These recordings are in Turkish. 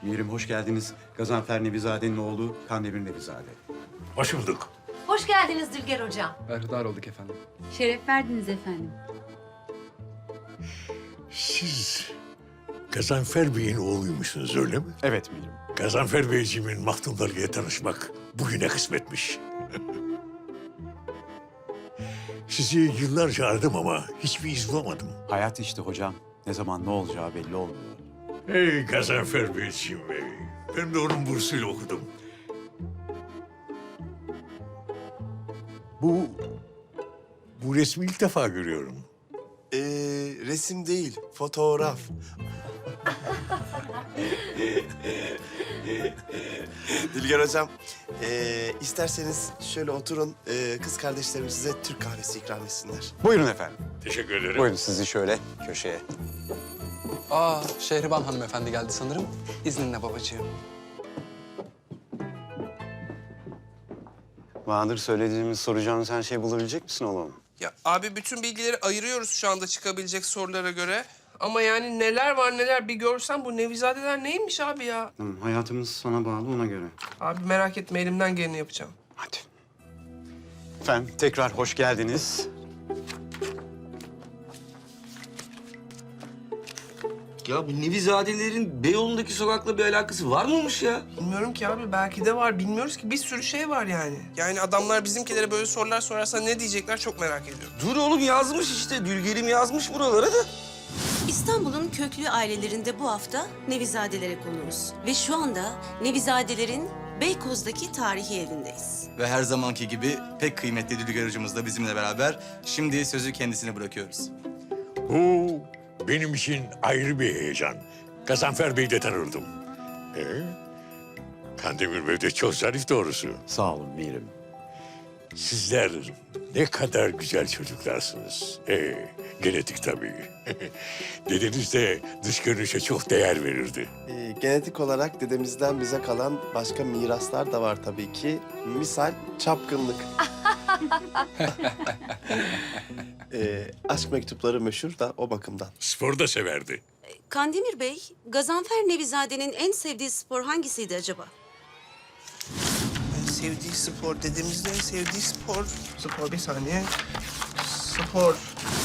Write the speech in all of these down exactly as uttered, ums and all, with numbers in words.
Mirim hoş geldiniz. Gazanfer Nevizade'nin oğlu Kandemir Nevizade. Hoş bulduk. Hoş geldiniz Dülger Hocam. Berhudar olduk efendim. Şeref verdiniz efendim. Siz Gazanfer Bey'in oğluymuşsunuz öyle mi? Evet Mirim. Gazanfer Beyciğimin mahdumlarıyla tanışmak bugüne kısmetmiş. Sizi yıllarca aradım ama hiçbir iz bulamadım. Hayat işte hocam. Ne zaman ne olacağı belli olmuyor. Ey Gazanfer Beyciğim bey. Ben de onun bursuyla okudum. Bu... Bu resmi ilk defa görüyorum. Ee, resim değil, fotoğraf. Dilger Hocam, ee, isterseniz şöyle oturun. Ee, kız kardeşlerim size Türk kahvesi ikram etsinler. Buyurun efendim. Teşekkür ederim. Buyurun sizi şöyle köşeye. Aa, Şehriban hanımefendi geldi sanırım. İzninle babacığım. Bahadır söylediğimiz soracağınız her şeyi bulabilecek misin oğlum? Ya abi bütün bilgileri ayırıyoruz şu anda çıkabilecek sorulara göre. Ama yani neler var neler bir görsen bu Nevizadeler neymiş abi ya? Tamam, hayatımız sana bağlı ona göre. Abi merak etme elimden geleni yapacağım. Hadi. Efendim tekrar hoş geldiniz. Ya bu Nevizadelerin Beyoğlu'ndaki sokakla bir alakası var mıymış ya? Bilmiyorum ki abi belki de var bilmiyoruz ki bir sürü şey var yani. Yani adamlar bizimkilere böyle sorular sorarsa ne diyecekler çok merak ediyorum. Dur oğlum yazmış işte. Dülgerim yazmış buralara da. İstanbul'un köklü ailelerinde bu hafta Nevizadelere konuğuz. Ve şu anda Nevizadelerin Beykoz'daki tarihi evindeyiz. Ve her zamanki gibi pek kıymetli Dülger hocamız da bizimle beraber. Şimdi sözü kendisine bırakıyoruz. Bu benim için ayrı bir heyecan. Gazanfer Bey'i de tanırdım. Ee, Kandemir Bey de çok zarif doğrusu. Sağ olun Mirim. Sizler ne kadar güzel çocuklarsınız. Ee, genetik tabii. Dedeniz de dış görünüşe çok değer verirdi. Ee, genetik olarak dedemizden bize kalan başka miraslar da var tabii ki. Misal çapkınlık. ee, aşk mektupları meşhur da o bakımdan. Spor da severdi. Kandemir Bey, Gazanfer Nevizade'nin en sevdiği spor hangisiydi acaba? En sevdiği spor dediğimizde en sevdiği spor. Spor bir saniye. Spor.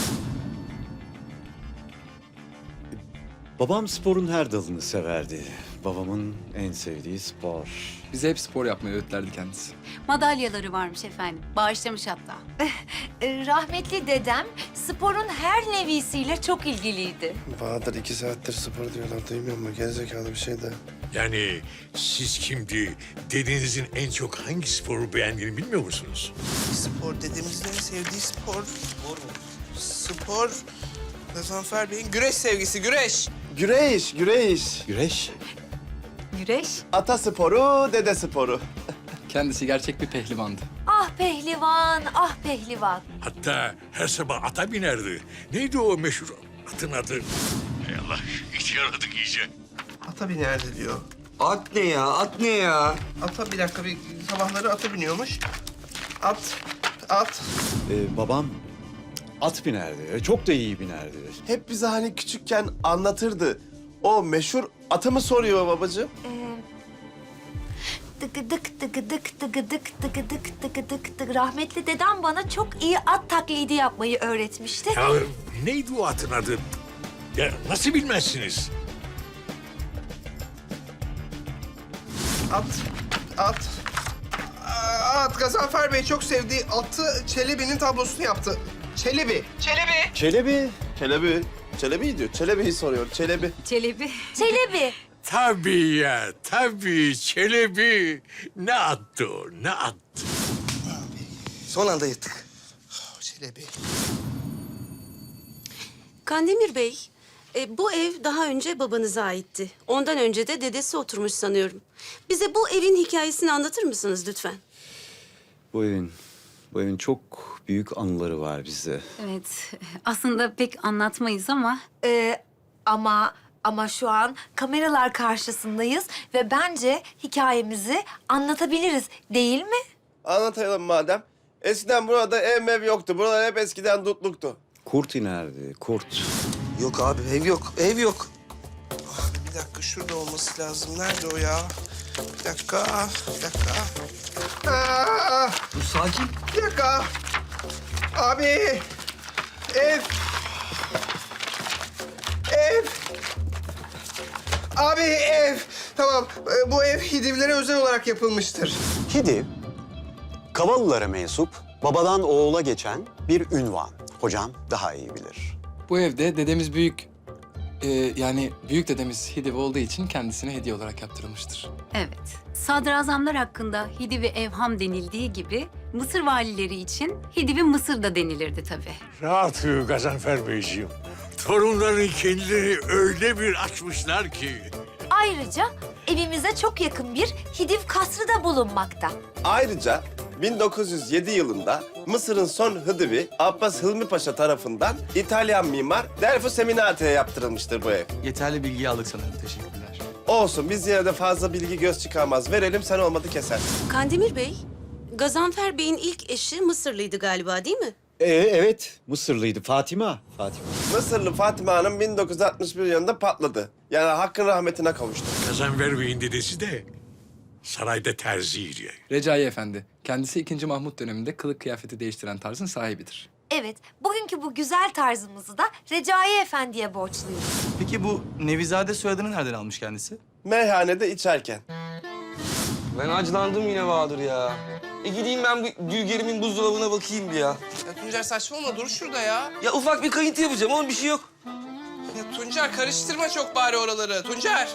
Babam sporun her dalını severdi. Babamın en sevdiği spor. Bize hep spor yapmayı öğütlerdi kendisi. Madalyaları varmış efendim. Bağışlamış hatta. Ee, rahmetli dedem sporun her nevisiyle çok ilgiliydi. Bahadır iki saattir spor diyorlar. Duymuyor musun? Gerizekalı bir şey de. Yani siz şimdi dedenizin en çok hangi sporu beğendiğini bilmiyor musunuz? Spor dediğimizde en sevdiği spor. Spor mu? Spor. Gazanfer Bey'in güreş sevgisi, güreş. Güreş, güreş. Güreş. Güreş. Ata sporu, dede sporu. Kendisi gerçek bir pehlivandı. Ah pehlivan, ah pehlivan. Hatta her sabah ata binerdi. Neydi o meşhur atın adı? Hay Allah, hiç yaradık iyice. Ata binerdi diyor. At ne ya? At ne ya? Ata bir dakika bir sabahları ata biniyormuş. At, at. Ee, babam at binerdi. Çok da iyi binerdi. Hep bize hani küçükken anlatırdı. O meşhur atı mı soruyor babacığım? Dıgıdık dıgıdık dıgıdık dıgıdık dıgıdık dık. Rahmetli dedem bana çok iyi at taklidi yapmayı öğretmişti. Ya neydi o atın adı? Ya nasıl bilmezsiniz? At, at. Aa, At, Gazanfer Bey çok sevdiği atı Çelebi'nin tablosunu yaptı. Çelebi. Çelebi. Çelebi. Çelebi. Çelebi diyor. Çelebi'yi soruyor. Çelebi. Çelebi. Çelebi. Tabii ya, tabii Çelebi. Ne attı o, ne attı? Son anda yırttık. Oh, Çelebi. Kandemir Bey, e, bu ev daha önce babanıza aitti. Ondan önce de dedesi oturmuş sanıyorum. Bize bu evin hikayesini anlatır mısınız lütfen? Bu evin, bu evin çok büyük anıları var bizde. Evet. Aslında pek anlatmayız ama Ee, ama ama şu an kameralar karşısındayız ve bence hikayemizi anlatabiliriz değil mi? Anlatalım madem. Eskiden burada ev mev yoktu. Buralar hep eskiden dutluktu. Kurt inerdi, kurt. Yok abi ev yok. Ev yok. Abi bir dakika şurada olması lazım. Nerede o ya? Bir dakika, bir dakika. Aa, Dur sakin. bir dakika. Abi, ev. Ev. Abi ev. Tamam, e, bu ev Hidivlere özel olarak yapılmıştır. Hidiv, Kavalılara mensup, babadan oğula geçen bir ünvan. Hocam daha iyi bilir. Bu evde dedemiz büyük, e, yani büyük dedemiz Hidiv olduğu için kendisine hediye olarak yaptırılmıştır. Evet. Sadrazamlar hakkında Hidiv-i Evham denildiği gibi Mısır valileri için Hidiv-i Mısır da denilirdi tabii. Rahat uyu Gazanfer Beyciğim. Torunların kendileri öyle bir açmışlar ki. Ayrıca evimize çok yakın bir Hidiv kasrı da bulunmakta. Ayrıca bin dokuz yüz yedi yılında Mısır'ın son Hıdıvi Abbas Hilmi Paşa tarafından İtalyan mimar Delfo Seminate'ye yaptırılmıştır bu ev. Yeterli bilgiyi aldık sanırım. Teşekkürler. Olsun, biz yine de fazla bilgi göz çıkarmaz. Verelim, sen olmadı keser. Kandemir Bey, Gazanfer Bey'in ilk eşi Mısırlıydı galiba değil mi? Ee, evet, Mısırlıydı. Fatima. Fatima. Mısırlı Fatıma Hanım bin dokuz yüz altmış bir yılında patladı. Yani hakkın rahmetine kavuştu. Gazanfer Bey'in dedesi de sarayda terziydi. Recai Efendi, kendisi ikinci Mahmut döneminde kılık kıyafeti değiştiren tarzın sahibidir. Evet, bugünkü bu güzel tarzımızı da Recai Efendi'ye borçluyuz. Peki bu Nevizade soyadını nereden almış kendisi? Meyhanede içerken. Ben acılandım yine Bahadır ya. E gideyim ben bu Gülgerim'in buzdolabına bakayım bir ya. Ya Tuncer saçmalama, dur şurada ya. Ya ufak bir kayıntı yapacağım, oğlum bir şey yok. Ya Tuncer karıştırma çok bari oraları. Tuncer.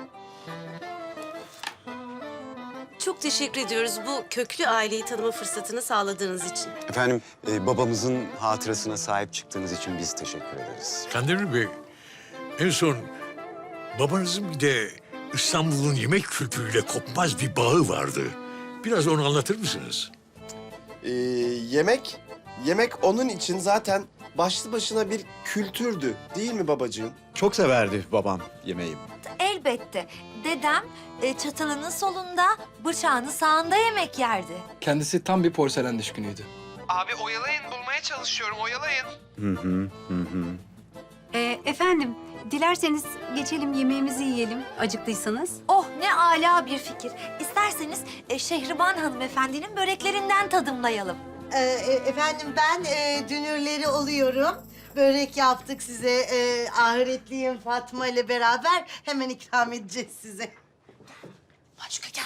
Çok teşekkür ediyoruz bu köklü aileyi tanıma fırsatını sağladığınız için. Efendim, e, babamızın hatırasına sahip çıktığınız için biz teşekkür ederiz. Kandemir Bey, en son babanızın bir de İstanbul'un yemek kültürüyle kopmaz bir bağı vardı. Biraz onu anlatır mısınız? Ee, yemek, yemek onun için zaten başlı başına bir kültürdü. Değil mi babacığım? Çok severdi babam yemeği. Elbette. Dedem e, çatalının solunda, bıçağını sağında yemek yerdi. Kendisi tam bir porselen düşkünüydü. Abi oyalayın, bulmaya çalışıyorum, oyalayın. Hı hı, hı hı. Ee, efendim, dilerseniz geçelim yemeğimizi yiyelim acıktıysanız. Oh, ne âlâ bir fikir. İsterseniz e, Şehriban hanımefendinin böreklerinden tadımlayalım. Ee, e, efendim ben e, dünürleri oluyorum. Börek yaptık size. E, ahiretliyim Fatma ile beraber hemen ikram edeceğiz size. Başka gel.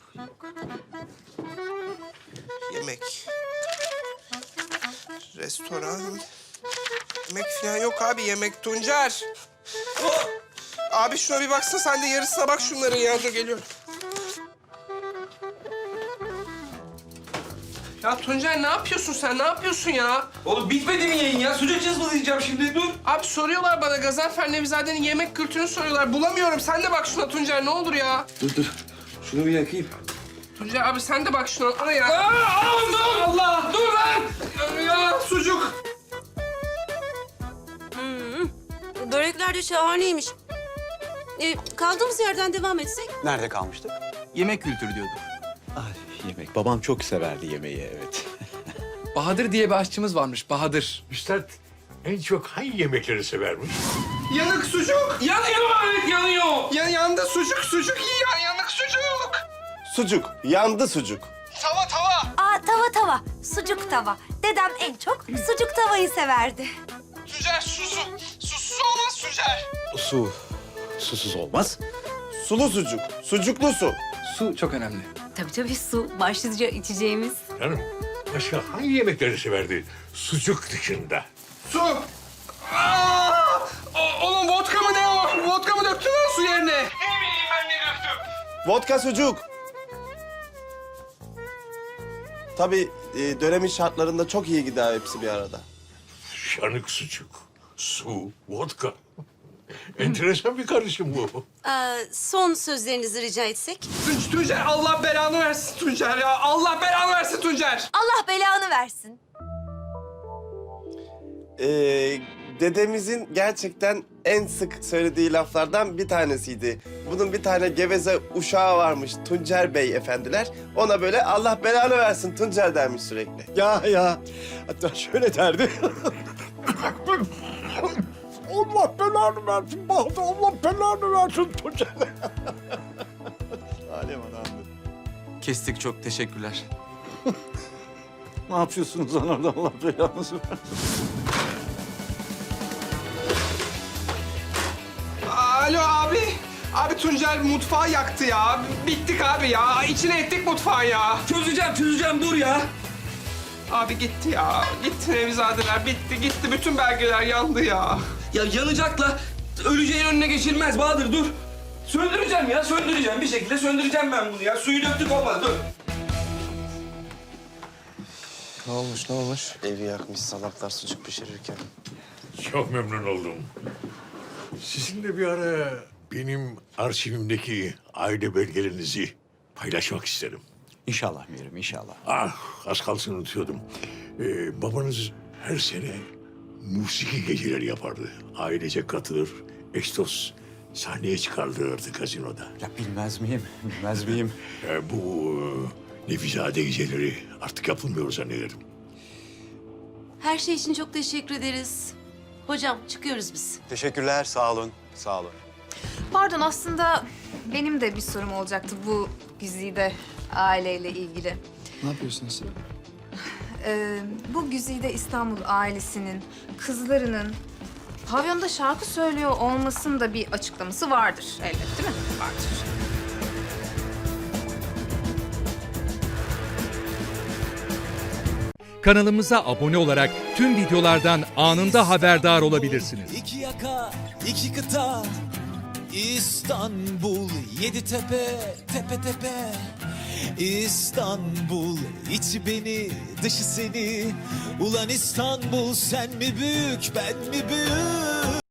Yemek. Restoran. Yemek falan yok abi, yemek Tuncer. Oh! Abi şuna bir baksana, sen de yarısına bak şunların ya. Dur geliyorum. Ya Tuncer ne yapıyorsun sen? Ne yapıyorsun ya? Oğlum bitmedi mi yayın ya? Sucuk cızmalayacağım şimdi, dur. Abi soruyorlar bana, Gazanfer Nevizade'nin yemek kültürünü soruyorlar. Bulamıyorum. Sen de bak şuna Tuncer, ne olur ya. Dur dur. Şunu bir yakayım. Tuncer abi sen de bak şuna. Ana ya. Aa, Allah! Allah! Dur lan! Ya sucuk. Börekler de şahaneymiş. Ee, kaldığımız yerden devam etsek? Nerede kalmıştık? Yemek kültürü diyorduk. Ay, yemek. Babam çok severdi yemeği, evet. Bahadır diye bir aşçımız varmış, Bahadır. Üstad en çok hangi yemekleri severmiş? Yanık sucuk. Yanıyor, evet yanıyor. Yan, yandı sucuk, sucuk iyi yani, yanık sucuk. Sucuk, yandı sucuk. Tava tava. Aa, tava tava, sucuk tava. Dedem en çok sucuk tavayı severdi. Tuncer susu. Susuz olmaz Tuncer. Su. Susuz olmaz. Sulu sucuk, sucuklu su. Su çok önemli. Tabii tabii su başlıca içeceğimiz. Canım, başka hangi yemekleri severdi sucuk dışında? Su. Aa! O, oğlum vodka mı ne o? Vodka mı döktün lan su yerine? Ne bileyim ben ne döktüm. Vodka sucuk. Tabii e, dönemin şartlarında çok iyi gider hepsi bir arada. Yanık sucuk, su, vodka. Enteresan bir karışım bu. Ee, son sözlerinizi rica etsek? Tun- Tuncer Allah belanı versin Tuncer ya. Allah belanı versin Tuncer. Allah belanı versin. Ee, dedemizin gerçekten en sık söylediği laflardan bir tanesiydi. Bunun bir tane geveze uşağı varmış Tuncer Bey efendiler. Ona böyle Allah belanı versin Tuncer dermiş sürekli. Ya ya. Hatta şöyle derdi. Allah belanı versin Bahadır. Allah belanı versin Tuncer. Alem adamdı. Kestik, çok teşekkürler. Ne yapıyorsunuz lan orada? Allah belanızı versin. Alo abi. Abi Tuncer mutfağı yaktı ya. Bittik abi ya. İçine ettik mutfağı ya. Çözeceğim çözeceğim dur ya. Abi gitti ya. Gitti Nevizadeler. Bitti gitti. Bütün belgeler yandı ya. Ya yanacakla öleceğin önüne geçilmez Bahadır dur. Söndüreceğim ya söndüreceğim bir şekilde söndüreceğim ben bunu ya. Suyu döktük olmaz dur. Ne olmuş ne olmuş? Evi yakmış salaklar sucuk pişirirken. Çok memnun oldum. Sizinle bir ara benim arşivimdeki aile belgelerinizi paylaşmak isterim. İnşallah Mirim, inşallah. Ah, az kalsın unutuyordum. Ee, babanız her sene musiki geceleri yapardı. Ailece katılır, ekstos sahneye çıkarılırdı gazinoda. Ya bilmez miyim, bilmez miyim? Ee, bu e, Nevizade geceleri artık yapılmıyor zannederim. Her şey için çok teşekkür ederiz. Hocam çıkıyoruz biz. Teşekkürler, sağ olun, sağ olun. Pardon, aslında benim de bir sorum olacaktı bu güzide aileyle ilgili. Ne yapıyorsunuz siz? Ee, bu güzide İstanbul ailesinin kızlarının pavyonda şarkı söylüyor olmasının da bir açıklaması vardır elbet, değil mi? Vardır. Kanalımıza abone olarak tüm videolardan anında haberdar olabilirsiniz. İki yaka, iki kıta, İstanbul, yedi tepe, tepe tepe. İstanbul, içi beni, dışı seni. Ulan İstanbul, sen mi büyük, ben mi büyük?